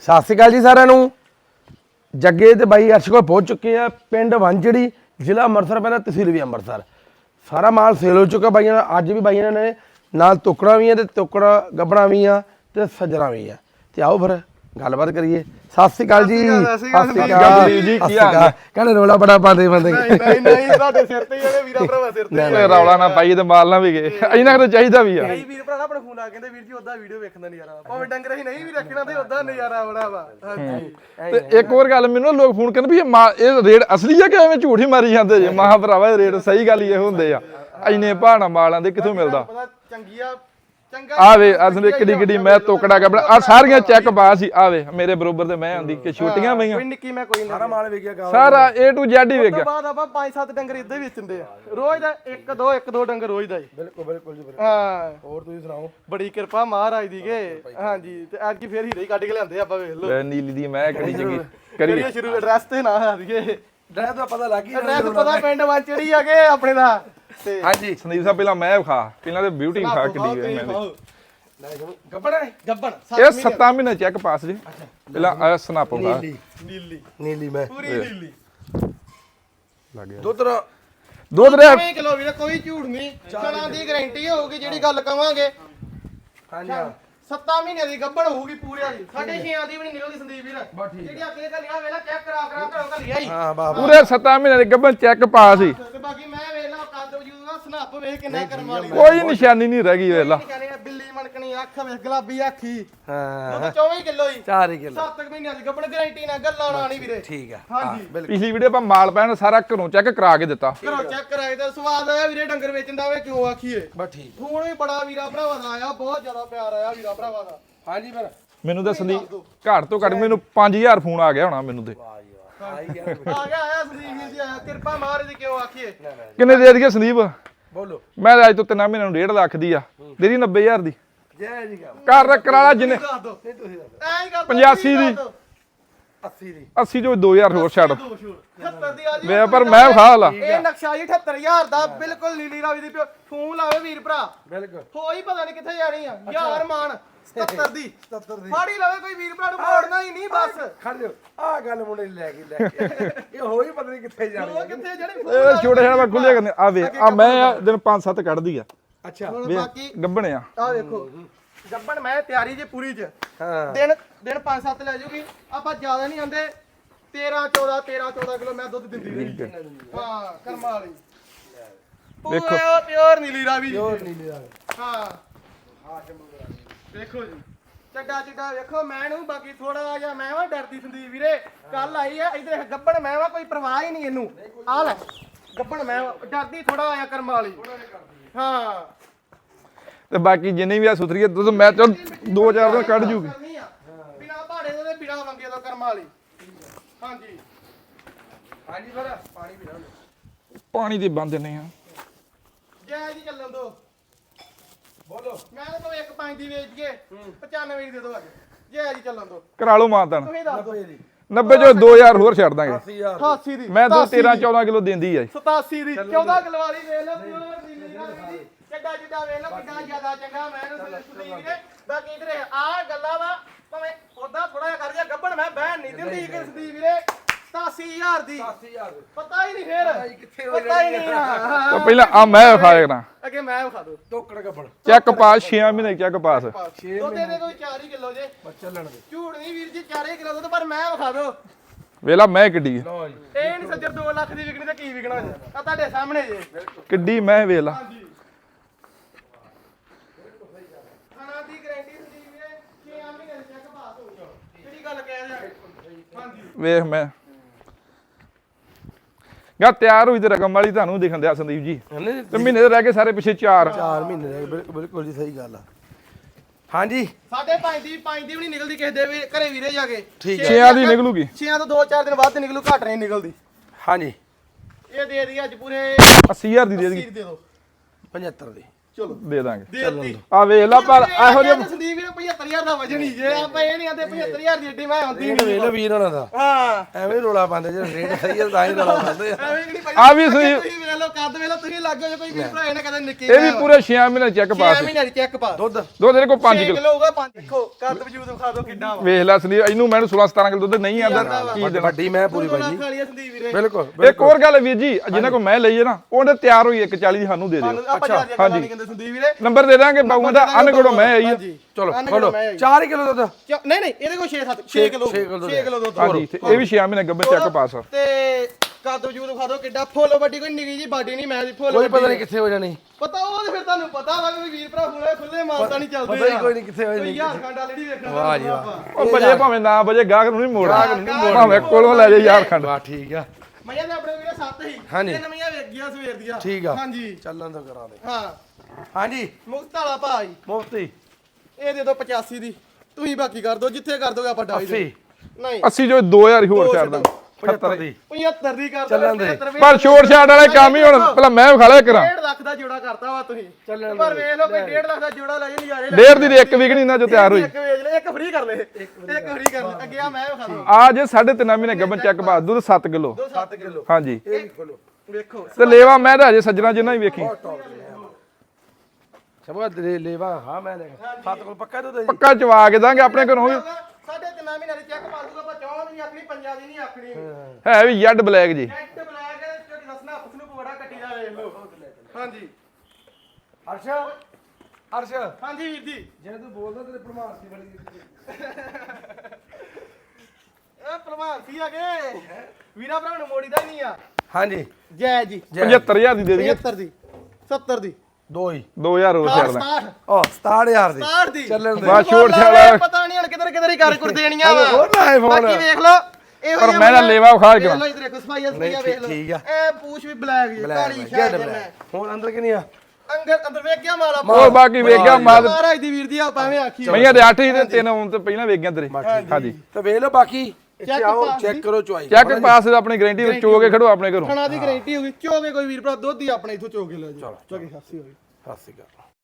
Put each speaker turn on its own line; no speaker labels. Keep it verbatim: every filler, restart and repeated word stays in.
ਸਤਿ ਸ਼੍ਰੀ ਅਕਾਲ ਜੀ ਸਾਰਿਆਂ ਨੂੰ। ਜੱਗੇ ਤੇ ਬਾਈ ਅਰਸ਼ ਕੋਲ ਪਹੁੰਚ ਚੁੱਕੇ ਆ ਪਿੰਡ ਵੰਜੜੀ, ਜ਼ਿਲ੍ਹਾ ਅੰਮ੍ਰਿਤਸਰ ਪੈਂਦਾ, ਤਹਿਸੀਲ ਵੀ ਅੰਮ੍ਰਿਤਸਰ। ਸਾਰਾ ਮਾਲ ਸੇਲ ਹੋ ਚੁੱਕਾ ਬਾਈਆਂ ਦਾ। ਅੱਜ ਵੀ ਬਾਈਆਂ ਨੇ ਨਾਲ ਟੁਕੜਾ ਵੀ ਆ ਤੇ ਟੁਕੜਾ ਗੱਬਣਾ ਵੀ ਆ ਤੇ ਸੱਜਣਾ ਵੀ ਆ। ਤੇ ਆਓ ਫਿਰ ਗੱਲਬਾਤ ਕਰੀਏ। ਸਤਿ ਸ਼੍ਰੀ ਅਕਾਲ ਜੀ।
ਸਤਿ ਸ਼੍ਰੀ ਅਕਾਲ ਜੀ, ਕੀ ਹਾਲ ਹੈ?
ਕਹਿੰਦੇ ਰੋਲਾ ਬੜਾ ਪਾਉਂਦੇ ਬੰਦੇ।
ਨਹੀਂ ਨਹੀਂ ਤੁਹਾਡੇ ਸਿਰ ਤੇ ਹੀ ਉਹਦੇ ਵੀਰਾ ਭਰਾਵਾ ਸਿਰ ਤੇ ਹੀ।
ਰੌਲਾ ਨਾ ਪਾਈਏ ਤੇ ਮਾਲ ਨਾ ਵੀ ਗਏ ਇਹਨਾਂ ਨੂੰ ਚਾਹੀਦਾ ਵੀ ਆ।
ਕਈ ਵੀਰ ਭਰਾ ਆਪਣੇ ਫੋਨ ਆ ਕਹਿੰਦੇ ਵੀਰ ਜੀ ਉਦਾਂ ਵੀਡੀਓ ਵੇਖਣ ਦਾ ਨਜ਼ਾਰਾ ਭਾਵੇਂ ਡੰਗਰ ਅਸੀਂ ਨਹੀਂ ਵੀ ਰੱਖਣਾ ਤੇ ਉਦਾਂ ਨਜ਼ਾਰਾ ਬੜਾ ਵਾ। ਹਾਂਜੀ
ਤੇ ਇੱਕ ਹੋਰ ਗੱਲ ਮੈਨੂੰ ਲੋਕ ਫੋਨ ਕਰਨ ਵੀ ਇਹ ਮਾ- ਇਹ ਰੇਟ ਅਸਲੀ ਆ ਕਿ ਐਵੇਂ ਝੂਠ ਹੀ ਮਾਰੀ ਜਾਂਦੇ ਜੇ। ਮਹਾ ਭਰਾਵਾ ਰੇਟ ਸਹੀ ਗੱਲ ਹੀ ਇਹ ਹੁੰਦੇ ਆ। ਇੰਨੇ ਭਾਣਾ ਮਾਲਾਂ ਦੇ ਕਿੱਥੋਂ ਮਿਲਦਾ?
ਪਤਾ ਚੰਗੀ ਆ ਚੰਗਾ
ਆ ਵੇ ਅਸਲੇ ਕਿੱਡੀ ਕਿੱਡੀ ਮੈਂ ਤੋਕੜਾ ਗੱਬੜਾ ਆ ਸਾਰੀਆਂ ਚੈੱਕ ਪਾਸ ਹੀ ਆ ਵੇ ਮੇਰੇ ਬਰੋਬਰ ਤੇ ਮੈਂ ਆਂਦੀ ਕਿ ਛੋਟੀਆਂ ਪਈਆਂ
ਕੋਈ ਨਿੱਕੀ ਮੈਂ ਕੋਈ
ਸਾਰਾ ਮਾਲ ਵੇਖਿਆ ਗਾ।
ਸਾਰਾ A to Z ਹੀ ਵੇਖ ਗਿਆ।
ਬਾਅਦ ਆਪਾਂ ਪੰਜ ਸੱਤ ਡੰਗਰ ਇੱਦਾਂ ਹੀ ਵੇਚਦੇ ਆ ਰੋਜ਼ ਦਾ ਇੱਕ ਦੋ ਇੱਕ ਦੋ ਡੰਗਰ ਰੋਜ਼ ਦਾ ਹੀ।
ਬਿਲਕੁਲ ਬਿਲਕੁਲ ਜੀ ਬਿਲਕੁਲ।
ਹਾਂ
ਹੋਰ ਤੁਸੀਂ ਸੁਣਾਓ?
ਬੜੀ ਕਿਰਪਾ ਮਹਾਰਾਜ ਦੀ ਕੇ। ਹਾਂਜੀ ਤੇ ਅੱਜ ਕੀ ਫੇਰ ਹੀਰੇ ਹੀ ਕੱਢ ਕੇ ਲਿਆਂਦੇ ਆਪਾਂ ਵੇਖ ਲਓ।
ਲੈ ਨੀਲੀ ਦੀ ਮੈਂ ਕਿਹੜੀ ਚੰਗੀ ਕਰੀਏ।
ਕਰੀਏ ਸ਼ੁਰੂ ਐਡਰੈਸ ਤੇ ਨਾ ਆ ਦੀਏ।
ਡਰ ਤਾਂ ਪਤਾ ਲੱਗ ਹੀ
ਐਡਰੈਸ ਪਤਾ ਪਿੰਡ ਵਾਂਚੜੀ ਆ ਕੇ ਆਪਣੇ ਦਾ। ਤੇ
ਹਾਂਜੀ
ਸੰਦੀਪ ਸਾਹਿਬ ਪਹਿਲਾਂ ਮੈਂ ਖਾ ਪਹਿਲਾਂ ਤੇ ਬਿਊਟੀ ਖਾ ਕਿੱਡੀ ਵੇ ਮੈਂ
ਗੱਬਣਾ
ਗੱਬਣ
ਇਹ ਸੱਤਾਂ ਮਹੀਨੇ ਚੈੱਕ ਪਾਸ ਜੀ। ਪਹਿਲਾਂ ਆ ਸਨਾਪੋ ਖਾ
ਨੀਲੀ
ਨੀਲੀ
ਨੀਲੀ ਮੈਂ
ਪੂਰੀ ਨੀਲੀ
ਲੱਗ ਗਿਆ
ਦੁੱਧ ਦਾ
ਦੁੱਧ ਦੇ
ਕੋਈ ਕਿਲੋ ਵੀਰੇ ਕੋਈ ਝੂਠ ਨਹੀਂ ਚਣਾ ਦੀ ਗਾਰੰਟੀ ਹੋਊਗੀ ਜਿਹੜੀ ਗੱਲ ਕਵਾਂਗੇ।
ਹਾਂਜੀ
ਸੱਤਾਂ ਮਹੀਨੇ ਦੀ ਗੱਭਣ ਹੋਊਗੀ ਪੂਰੇ ਦੀ। ਸਾਢੇ ਛੇਆਂ ਦੀ ਵੀ ਨਹੀਂ ਨਿਕਲਦੀ ਸੰਦੀਪ ਵੀਰ। ਜਿਹੜੀ ਅੱਗੇ ਘਲਿਆ ਵੇਲਾ ਚੈੱਕ ਕਰਾ ਕਰਾ ਘਰੋਂ ਘਲਿਆ ਹੀ।
ਹਾਂ ਬਾਬਾ
ਪੂਰੇ ਸੱਤਾਂ ਮਹੀਨੇ ਦੇ ਗੱਬਨ ਚੈੱਕ ਪਾਸ ਸੀ।
ਤੇ ਬਾਕੀ ਮੈਂ ਵੇਲਾ ਕੱਦ ਵਜੂਗਾ ਸਨੱਪ ਵੇਖ ਕਿੰਨਾ ਕਰਮ ਵਾਲੀ।
ਕੋਈ ਨਿਸ਼ਾਨੀ ਨਹੀਂ ਰਹਿ ਗਈ ਵੇਲਾ।
ਨਿਸ਼ਾਨੀ ਬਿੱਲੀ ਮਣਕਣੀ ਅੱਖ ਵੇਖ ਗੁਲਾਬੀ ਅੱਖੀ।
ਹਾਂ
ਦੁੱਧ ਚੌਵੀ ਕਿਲੋ ਹੀ।
ਚਾਰ ਹੀ ਕਿਲੋ
ਸੱਤ ਮਹੀਨਿਆਂ ਦੀ ਗੱਭਣ ਗਾਰੰਟੀ ਨਾਲ ਗੱਲਾਂ ਨਾ ਨਹੀਂ ਵੀਰੇ।
ਠੀਕ ਆ।
ਹਾਂਜੀ
ਪਿਛਲੀ ਵੀਡੀਓ ਆਪਾਂ ਮਾਲ ਪੈਣ ਸਾਰਾ ਘਰੋਂ ਚੈੱਕ ਕਰਾ ਕੇ ਦਿੱਤਾ।
ਘਰੋਂ ਚੈੱਕ ਕਰਾਏ ਤੇ ਸਵਾਦ ਆਇਆ ਵੀਰੇ ਡੰਗਰ ਵੇਚਣ ਦਾ ਵੇ ਕਿਉਂ ਆਖੀਏ।
ਬਸ ਠੀਕ।
ਫੋਨ ਵੀ ਬੜਾ ਵੀਰਾ ਭਰਾਵਾ ਦਾ ਆਇਆ ਬਹੁਤ ਜ਼ਿਆਦਾ ਪਿਆਰ ਆਇਆ ਵੀਰਾ ਭਰਾਵਾ ਦਾ।
ਹਾਂਜੀ ਫਿਰ
ਮੈਨੂੰ ਤਾਂ ਸੰਦੀਪ ਘੱਟ ਤੋਂ ਘੱਟ ਮੈਨੂੰ ਪੰਜ ਹਜ਼ਾਰ ਫੋਨ ਆ ਗਿਆ ਹੋਣਾ ਮੈਨੂੰ ਤੇ।
ਆਈ ਗਿਆ
ਆ ਗਿਆ ਆਇਆ ਸੰਦੀਪ ਵੀਰ ਜੀ ਆਇਆ ਕਿਰਪਾ ਮਹਾਰਾਜ ਦੀ ਕਿਉਂ ਆਖੀਏ।
ਕਿੰਨੇ ਦੇ ਦਈਏ ਸੰਦੀਪ?
ਬੋਲੋ
ਮੈਂ ਅੱਜ ਤੋਂ ਤਿੰਨਾਂ ਮਹੀਨਿਆਂ ਨੂੰ ਡੇਢ ਲੱਖ ਦੀ ਆ ਤੇਰੀ ਨੱਬੇ ਹਜ਼ਾਰ ਦੀ
ਜੈ ਜੀ ਕਾ
ਘਰ ਕਰਾਲਾ ਜਿੰਨੇ
ਦੱਸ ਦੋ
ਨਹੀਂ ਤੁਸੀਂ ਦੱਸੋ।
ਐਂ ਹੀ ਕਰ ਦੋ,
ਪਚਾਸੀ ਦੀ।
ਦੱਸ ਦਿਓ।
ਅੱਸੀ ਦੀ
ਅੱਸੀ ਚੋਂ ਦੋ ਹਜ਼ਾਰ ਹੋਰ ਛੱਡ
ਅਠੱਤਰ ਦੀ ਆ ਜੀ।
ਵੇ ਪਰ ਮੈਂ ਖਾ ਲਾ।
ਇਹ ਨਕਸ਼ਾ ਜੀ ਅਠੱਤਰ ਹਜ਼ਾਰ ਦਾ ਬਿਲਕੁਲ ਨੀਲੀ ਰਾਵੀ ਦੀ ਪਿਓ। ਫੋਨ ਲਾਵੇ ਵੀਰ ਭਰਾ
ਬਿਲਕੁਲ
ਹੋ ਹੀ ਪਤਾ ਨਹੀਂ ਕਿੱਥੇ ਜਾਣੀ ਆ ਯਾਰ ਮਾਨ ਸਤੱਤਰ ਦੀ
ਸੱਤਰ ਦੀ
ਫਾੜੀ ਲਵੇ ਕੋਈ ਵੀਰ ਭਰਾ ਨੂੰ ਮੋੜਨਾ ਹੀ ਨਹੀਂ ਬਸ।
ਖੜ ਜਾਓ ਆ ਗੱਲ ਮੁੰਡੇ ਨੇ ਲੈ ਕੇ ਲੈ ਕੇ ਇਹ ਹੋਈ ਪਤਾ ਨਹੀਂ ਕਿੱਥੇ ਜਾਣੀ
ਉਹ ਕਿੱਥੇ ਜਾਣੀ
ਇਹ ਛੋਟੇ ਛੋਟੇ ਮੈਂ ਖੁੱਲਿਆ ਕਰਨੇ ਆ ਵੇ ਆ ਮੈਂ ਦਿਨ ਪੰਜ ਸੱਤ ਕੱਢਦੀ ਆ
ਅੱਛਾ
ਹੁਣ ਬਾਕੀ
ਗੱਬਣ ਆ।
ਆ ਦੇਖੋ ਗੱਬਣ ਮੈਂ ਤਿਆਰੀ ਜੇ ਪੂਰੀ ਚ
ਹਾਂ
ਦਿਨ ਦਿਨ ਪੰਜ ਸੱਤ ਲੈ ਜੂਗੀ ਆਪਾਂ ਜ਼ਿਆਦਾ ਨਹੀਂ ਆਂਦੇ ਤੇਰਾਂ ਚੌਦਾਂ ਤੇਰਾਂ ਚੌਦਾਂ ਕਿਲੋ ਮੈਂ ਦੁੱਧ ਦਿੰਦੀ ਰਹੀ। ਹਾਂ ਕਰਮਾ ਵਾਲੀ
ਵੇਖੋ।
ਵੇਖੋ ਪਿਓਰ ਨੀਲੀ ਰਾਵੀ
ਪਿਓਰ ਨੀਲੀ ਦਾ
ਹਾਂ ਦੇਖੋ ਜੀ ਚੱਡਾ ਚੱਡਾ ਵੇਖੋ ਮੈਂ ਨੂੰ ਬਾਕੀ ਥੋੜਾ ਜਿਹਾ ਮੈਂ ਵਾ ਡਰਦੀ ਸੰਦੀਪ ਵੀਰੇ ਕੱਲ ਆਈ ਆ ਇਧਰ ਗੱਬਣ ਮੈਂ ਵਾ ਕੋਈ ਪਰਵਾਹ ਹੀ ਨਹੀਂ ਇਹਨੂੰ ਆ ਲੈ ਗੱਬਣ ਮੈਂ ਵਾ, ਡਰਦੀ ਥੋੜਾ ਆਇਆ ਕਰਮਾ ਵਾਲੀ। ਹਾਂ
ਤੇ ਬਾਕੀ ਜਿੰਨੇ ਵੀ ਆ ਸੁਥਰੀ ਦੁੱਧ ਮੈਂ ਚਲ ਦੋ ਚਾਰ ਦਿਨ ਕੱਢ ਜੂਗੀ।
ਬਿਨਾ ਭਾੜੇ ਦੇ ਬਿਨਾ ਮੰਗੇ ਤੋਂ ਕਰਮਾ ਵਾਲੀ। ਹਾਂਜੀ
ਹਾਂਜੀ ਫਿਰ ਪਾਣੀ ਪੀਣਾ
ਪਾਣੀ ਦੇ ਬੰਦ ਨੇ ਆ
ਜੈ ਜੀ ਚੱਲਣ ਦੋ।
ਬੋਲੋ
ਮੈਂ ਤਾਂ ਕੋਈ ਇੱਕ ਪੰਜ ਦੀ ਵੇਚ ਕੇ ਪਚਾਨਵੇਂ ਦੀ ਦੇ ਦੋ ਅੱਜ। ਜੈ ਜੀ ਚੱਲਣ ਦੋ।
ਕਰਾ ਲਓ ਮਾਨਤਾਨ
ਤੁਸੀਂ ਦੱਸ ਦਿਓ।
ਜੀ
ਨੱਬੇ ਚੋਂ ਦੋ ਹਜ਼ਾਰ ਹੋਰ ਛੱਡ ਦਾਂਗੇ।
ਅੱਸੀ ਹਜ਼ਾਰ
ਅਠਾਸੀ ਦੀ
ਮੈਂ ਦੋ
ਸਤਾਸੀ
ਤੇਰਾਂ
ਦੀ,
ਚੌਦਾਂ ਕਿਲੋ ਦਿੰਦੀ ਆ
ਸਤਾਸੀ ਦੀ ਚੌਦਾਂ ਕਿਲੋ ਵਾਲੀ ਵੇਖ ਲਓ ਪਿਓਰ ਨੀਲੀ ਰਾਵੀ ਦੀ। ਚੱਡਾ ਚੱਡਾ ਵੇਖ ਲਓ ਕਿੰਨਾ ਜ਼ਿਆਦਾ ਚੰਗਾ ਮੈਂ ਨੂੰ ਸੁਣੀ ਵੀਰੇ। ਬਾਕੀ ਇਧਰ ਆ ਗੱਲਾਂ ਵਾ ਭਾਵੇਂ ਉਦਾਂ ਥੋੜਾ ਜਿਹਾ ਕਰ ਜਾ ਗੱਬਣ ਮੈਂ ਬਹਿਣ ਨਹੀਂ ਦਿੰਦੀ ਕਿ ਸੰਦੀਪ ਵੀਰੇ। ਸਤਾਸੀ ਹਜ਼ਾਰ ਦੀ
ਅੱਸੀ ਹਜ਼ਾਰ
ਪਤਾ ਹੀ ਨਹੀਂ ਫੇਰ
ਕਿੱਥੇ ਹੋ
ਪਤਾ ਹੀ ਨਹੀਂ
ਤਾਂ
ਆ।
ਪਹਿਲਾਂ ਆ ਮੈਂ ਖਾਇਆ ਕਰਾਂ
ਅੱਗੇ ਮੈਂ ਵਿਖਾ ਦੋ
ਟੋਕੜ ਕੱਪੜ
ਚੈੱਕ ਪਾਸ ਛੇ ਮਹੀਨੇ ਚੈੱਕ ਪਾਸ।
ਦੁੱਧ ਦੇ ਕੋਈ ਚਾਰ ਹੀ ਕਿਲੋ ਜੇ
ਚੱਲਣ ਦੇ
ਝੂੜ ਨਹੀਂ ਵੀਰ ਜੀ ਚਾਰ ਹੀ ਕਿਲੋ ਦੁੱਧ ਪਰ ਮੈਂ ਵਿਖਾ ਦੋ।
ਵੇਲਾ ਮੈਂ ਕਿੱਡੀ ਆ।
ਲਓ ਜੀ
ਇਹ ਨਹੀਂ ਸੱਜਰ ਦੋ ਲੱਖ ਦੀ ਵਿਕਣੀ ਤੇ ਕੀ ਵਿਕਣਾ ਜੇ ਆ ਤੁਹਾਡੇ ਸਾਹਮਣੇ ਜੇ।
ਕਿੱਡੀ ਮੈਂ ਵੇਲਾ
ਹਾਂਜੀ ਖਾਣਾ ਦੀ ਗਾਰੰਟੀ ਹੁੰਦੀ ਵੀਰੇ ਛੇ ਮਹੀਨੇ ਦੇ ਚੈੱਕ ਪਾਸ ਹੋ ਜਾਓ ਜਿਹੜੀ ਗੱਲ ਕਹਿ ਰਿਹਾ। ਹਾਂਜੀ
ਵੇਖ ਮੈਂ ਗਾ ਤਿਆਰ ਹੋਈ ਤੇ ਰਕਮ ਵਾਲੀ ਤੁਹਾਨੂੰ ਦਿਖਣ ਦਿਆ ਸੰਦੀਪ ਜੀ
ਨਹੀਂ
ਤੇ ਮਹੀਨੇ ਦੇ ਰਹਿ ਗਏ ਸਾਰੇ ਪਿੱਛੇ ਚਾਰ।
ਚਾਰ ਮਹੀਨੇ ਰਹਿ ਗਏ ਬਿਲਕੁਲ ਬਿਲਕੁਲ ਜੀ ਸਹੀ ਗੱਲ ਆ। ਹਾਂਜੀ
ਸਾਡੇ ਪੰਜ ਦੀ ਪੰਜ ਦੀ ਵੀ ਨਹੀਂ ਨਿਕਲਦੀ ਕਿਸੇ ਦੇ ਵੀ ਘਰੇ ਵੀਰੇ ਜਾ ਕੇ।
ਠੀਕ
ਛੇ
ਛੇਆਂ ਦੀ ਨਿਕਲੂਗੀ।
ਛੇਆਂ ਤੋਂ ਦੋ ਚਾਰ ਦਿਨ ਬਾਅਦ ਤੇ ਨਿਕਲੂ ਘੱਟ ਨਹੀਂ ਨਿਕਲਦੀ।
ਹਾਂਜੀ
ਇਹ ਦੇ ਦੀ ਅੱਜ ਪੂਰੇ
ਅੱਸੀ ਹਜ਼ਾਰ ਦੀ ਦੇ
ਅੱਸੀ
ਦੇਗੀ
ਦੀ ਦੇ ਦਿਓ
ਪਝੱਤਰ ਦੀ
ਚਲੋ
ਦੇ ਦਾਂਗੇ।
ਦੇਤੀ
ਆ ਵੇਖ ਲਾ ਪਰ ਇਹੋ ਜਿਹੇ
ਸੰਦੀਪ ਵੀਰੇ ਪਝੱਤਰ ਹਜ਼ਾਰ ਦਾ ਵਜਨ ਹੀ ਜੇ ਆਪਾਂ ਇਹ ਨਹੀਂ ਆਂਦੇ ਪਝੱਤਰ ਹਜ਼ਾਰ ਦੀ ਏਡੀ ਮੈਂ ਆਉਂਦੀ
ਇਹ
ਨਹੀਂ।
ਵੇਖ ਲਓ ਵੀਰ ਹੋਣਾ ਦਾ
ਹਾਂ
ਐਵੇਂ ਰੋਲਾ ਪਾਉਂਦੇ ਜੇ ਰੇਟ ਸਹੀ ਹੈ ਤਾਂ ਹੀ ਰੋਲਾ ਪਾਉਂਦੇ ਆ
ਐਵੇਂ ਕਿ ਨਹੀਂ
ਆ ਵੀ ਸੰਦੀਪ
ਵੇਖ ਲਓ ਕੱਦ ਵੇਖ ਲਓ ਤੁਸੀਂ ਲੱਗ ਜਾਓ ਕੋਈ ਵੀਰ ਭਰਾ ਇਹਨੇ ਕਦੇ ਨਿੱਕੀ
ਇਹ ਵੀ ਪੂਰੇ ਛੇ ਮਹੀਨੇ ਚੈੱਕ ਪਾਸ
ਛੇ ਮਹੀਨੇ ਦੀ ਚੈੱਕ ਪਾ
ਦੁੱਧ
ਦੋ ਤੇਰੇ ਕੋਲ ਪੰਜ
ਛੇ
ਕਿਲੋ
ਕਿਲੋ ਹੋਊਗਾ ਪੰਜ ਦੇਖੋ ਕੱਦ ਵਜੂਦ ਵਿਖਾ ਦਿਓ ਕਿੱਡਾ ਵਾ
ਵੇਖ ਲੈ ਸੰਦੀਪ ਇਹਨੂੰ ਮੈਨੂੰ ਸੋਲਾਂ ਸਤਾਰਾਂ ਕਿਲੋ ਦੁੱਧ ਨਹੀਂ ਆਂਦਾ ਕੀ ਦੇਣਾ
ਵੱਡੀ ਮੈਂ ਪੂਰੀ ਬਾਈ ਜੀ
ਖਾਲੀ ਸੰਦੀਪ ਵੀਰੇ
ਬਿਲਕੁਲ
ਇੱਕ ਹੋਰ ਗੱਲ ਹੈ ਵੀਰ ਜੀ ਜਿਨ੍ਹਾਂ ਕੋ ਮੈਂ ਲਈ ਹੈ ਨਾ ਉਹਨੇ ਤਿਆਰ ਹੋਈ ਇੱਕ ਚਾਲੀ ਦੀ ਸਾਨੂੰ ਦੇ ਦਿਓ
ਆਪਾਂ ਜਾ ਕੇ ਗੱਲ ਨਹੀਂ ਕਹਿੰਦੇ ਸੰਦੀਪ ਵੀਰੇ
ਨੰਬਰ ਦੇ ਦਾਂਗੇ ਬਾਊਆਂ ਦਾ ਅਨਗੜੋ ਮੈਂ ਆਈ ਆ
ਚਲੋ ਖੋਲੋ ਚਾਰ ਕਿਲੋ ਦੁੱਧ
ਚ- ਨਹੀਂ ਨਹੀਂ ਇਹਦੇ ਕੋਲ ਛੇ ਸੱਤ ਛੇ ਕਿਲੋ ਛੇ ਕਿਲੋ ਦੁੱਧ
ਹਾਂਜੀ ਤੇ ਇਹ ਵੀ ਛੇ ਮਹੀਨੇ ਗੱਬੇ ਚੈੱਕ ਪਾਸ ਆ
ਤੇ ਕੱਦ ਵਜੂਦ ਵਿਖਾ ਦਿਓ ਕਿੱਡਾ ਫੁੱਲ ਵੱਡੀ ਕੋਈ ਨਿੱਕੀ ਜੀ ਬਾਡੀ ਨਹੀਂ ਮੈਂ ਦੀ ਫੁੱਲ
ਕੋਈ ਪਤਾ ਨਹੀਂ ਕਿੱਥੇ ਹੋ ਜਾਣੀ
ਪਤਾ ਉਹ ਤੇ ਫਿਰ ਤੁਹਾਨੂੰ ਪਤਾ ਵਾ ਕਿ ਵੀਰ ਭਰਾ ਹੁਣੇ ਖੁੱਲੇ ਮਾਲਤਾ ਨਹੀਂ ਚੱਲਦੇ
ਪਤਾ ਹੀ ਕੋਈ ਨਹੀਂ ਕਿੱਥੇ ਹੋ
ਕੋਈ
ਜਾਣੀ
ਯਾਰ ਖੰਡਾ ਲੜੀ ਵੇਖਣਾ
ਵਾਹ ਜੀ ਵਾਹ
ਉਹ ਬਜੇ ਭਾਵੇਂ ਨਾ ਬਜੇ ਗਾਹਕ ਨੂੰ ਨਹੀਂ ਮੋੜਨਾ ਭਾਵੇਂ ਕੋਲੋਂ ਲੈ ਜਾ ਯਾਰ ਖੰਡ
ਵਾਹ ਠੀਕ ਆ
ਮਈਆਂ ਦੇ ਆਪਣੇ ਵੀਰੇ ਸੱਤ ਹੀ
ਹਾਂਜੀ।
ਤਿੰਨ ਮਈਆਂ ਵੇਖ ਗਈਆਂ ਸਵੇਰ ਦੀਆਂ
ਠੀਕ ਆ
ਹਾਂਜੀ
ਚੱਲਣ ਤੋਂ ਕਰਾ ਦੇ
ਹਾਂ
ਹਾਂਜੀ
ਮੁਕਤ ਵਾਲਾ ਭਾਈ
ਮੁਫਤੀ
ਇਹ ਦੇ ਦਿਓ ਪਚਾਸੀ ਦੀ ਤੁਸੀਂ ਬਾਕੀ ਕਰ ਦਿਓ ਜਿੱਥੇ ਕਰ ਦੋਗੇ ਆਪਾਂ ਡਾਈ
ਅੱਸੀ
ਨਹੀਂ
ਅੱਸੀ ਜੋ ਦੋ ਹਜ਼ਾਰ ਹੀ ਹੋਰ
ਦੋ
ਛੱਡ ਦਾਂ
ਪਝੱਤਰ ਦੀ
ਪਝੱਤਰ ਦੀ ਕਰ
ਚੱਲਣ ਦੇ।
ਪਰ ਛੋੜ ਛਾੜ ਵਾਲੇ ਕੰਮ ਹੀ ਹੁਣ ਪਹਿਲਾਂ ਮੈਂ ਵਿਖਾ ਲਿਆ ਕਰਾਂ
ਡੇਢ ਲੱਖ ਦਾ ਜੋੜਾ ਕਰਤਾ ਵਾ ਤੁਸੀਂ
ਚੱਲਣ
ਪਰ ਵੇਖ ਲਓ ਕੋਈ ਡੇਢ ਲੱਖ ਦਾ ਜੋੜਾ ਲੈ ਜੇ ਨਜ਼ਾਰੇ ਲੈ
ਡੇਢ ਦੀ ਤੇ ਇੱਕ ਵਿਕਣੀ ਨਾ ਜੋ ਤਿਆਰ ਹੋਈ
ਇੱਕ ਵੇਚ ਲੈ ਇੱਕ ਫ੍ਰੀ ਕਰ ਲੈ ਇੱਕ ਫ੍ਰੀ ਕਰ ਲੈ ਅੱਗੇ ਆ ਮੈਂ ਵਿਖਾ ਦੂੰ
ਆ ਜੇ ਸਾਢੇ ਤਿੰਨ ਮਹੀਨੇ ਗੱਬਨ ਚੈੱਕ ਪਾਸ ਦੁੱਧ ਸੱਤ ਕਿਲੋ
ਦੋ ਸੱਤ ਕਿਲੋ
ਹਾਂਜੀ
ਇਹ ਵੀ ਖੋਲੋ
ਵੇਖੋ
ਤੇ ਲੇਵਾ ਮੈਂ ਤਾਂ ਹਜੇ ਸੱਜਣਾ ਜਿੰਨਾ ਹੀ ਵੇਖੀ
ਸਭਾ ਦੇ ਲੈਵਾ ਹਾਂ ਮੈਂ ਲੈ ਸੱਤ ਕੋਲ ਪੱਕਾ ਦੁੱਧ ਹੈ ਜੀ
ਪੱਕਾ ਚਵਾ ਕੇ ਦਾਂਗੇ ਆਪਣੇ ਘਰੋਂ ਵੀ
ਸਾਢੇ ਤਿੰਨ ਮਹੀਨੇ ਦੀ ਚੈੱਕ ਪਾ ਦੂਗਾ ਆਪਾਂ ਚੌਂ ਦੀ ਨਹੀਂ ਆਖਣੀ ਪੰਜਾਂ ਦੀ ਨਹੀਂ ਆਖਣੀ
ਹੈ ਵੀ Z black G
net black ਹੈ ਜਿਹੜੀ ਦੱਸਣਾ ਆਪਸ ਨੂੰ ਬੜਾ ਕੱਟੀ ਦਾ ਵੇਖ ਲਓ ਹਾਂਜੀ
ਅਰਸ਼ ਅਰਸ਼
ਹਾਂਜੀ ਵੀਰ ਜੀ
ਜੇ ਤੂੰ ਬੋਲਦਾ ਤੇਰੇ ਪ੍ਰਮਾਣ ਸੀ ਬੜੀ
ਇਹ ਪ੍ਰਮਾਨ ਸੀ ਆਗੇ ਵੀਰਾ ਭਰਾ ਨੂੰ ਮੋੜੀਦਾ ਨਹੀਂ ਆ
ਹਾਂਜੀ
ਜੈ ਜੀ
ਪਝੱਤਰ ਹਜ਼ਾਰ ਦੀ ਦੇ ਦਈਏ
ਪਝੱਤਰ ਦੀ ਸੱਤਰ ਦੀ
ਦੋ ਹੀ
ਦੋ ਹਜ਼ਾਰ ਹੋਰ ਛੱਡ ਦਾਂ
ਸਤਾਹਠ
ਉਹ ਸਤਾਹਠ ਹਜ਼ਾਰ ਦੀ
ਸਤਾਹਠ ਦੀ
ਚੱਲਣ ਦੇ
ਬਸ ਛੋੜ ਛਾੜ
ਵਾਲਾ ਪਤਾ ਨਹੀਂ ਹਣ ਕਿਧਰ ਕਿਧਰ ਹੀ ਕਰ ਕੁਰ ਦੇਣੀਆਂ ਵਾ
ਹੋਰ ਨਾ ਆਈਫੋਨ
ਬਾਕੀ ਵੇਖ ਲਓ ਇਹੋ
ਪਰ
ਜਿਹਾ
ਮੈਂ ਤਾਂ ਲੇਵਾ ਵਿਖਾ ਕੇ
ਵੇਖ ਲਓ ਇਧਰ ਦੇਖੋ ਸਫਾਈਆ ਸਫਾਈਆ ਵੇਖ ਲਓ
ਠੀਕ ਆ।
ਇਹ ਪੂਛ ਵੀ ਬਲੈਕ ਜੀ ਕਾਲੀ ਸ਼ਾਹ ਜਨਾ
ਹੁਣ ਅੰਦਰ ਕਿ ਨਹੀਂ ਆ
ਅੰਦਰ ਅੰਦਰ ਵੇਖ ਗਿਆ ਮਾਰਾ
ਹੋਰ ਬਾਕੀ ਵੇਖ ਗਿਆ ਮਾਦ
ਮਹਾਰਾਜ ਦੀ ਵੀਰ ਦੀ ਆ ਭਾਵੇਂ ਆਖੀ
ਮਈਆਂ ਦੇ ਅੱਠ ਹੀ ਤੇ ਤਿੰਨ ਹੁਣ ਤੋਂ ਪਹਿਲਾਂ ਵੇਖ ਗਿਆ ਤੇਰੇ ਹਾਂਜੀ
ਤੇ ਵੇਖ ਲਓ ਬਾਕੀ ਇੱਥੇ
Check
ਆਓ
ਪਾਸ
ਚੈੱਕ
ਦੀ।
ਕਰੋ ਚੁਆਈ
ਚੈੱਕ ਪਾਸ ਆਪਣੀ ਗਾਰੰਟੀ ਵਿੱਚ ਚੋ ਕੇ ਖੜੋ ਆਪਣੇ ਘਰੋਂ
ਖਾਣਾ ਦੀ ਗਾਰੰਟੀ ਹੋਗੀ ਚੋਗੇ ਕੋਈ ਵੀਰ ਭਰਾ ਦੁੱਧ ਹੀ ਆਪਣੇ ਇਥੋਂ ਚੋ ਕੇ ਲੈ ਜਾਓ ਚੋਗੇ ਖਾਸੀ ਹੋਗੀ
ਸਤਿ ਸ਼੍ਰੀ ਅਕਾਲ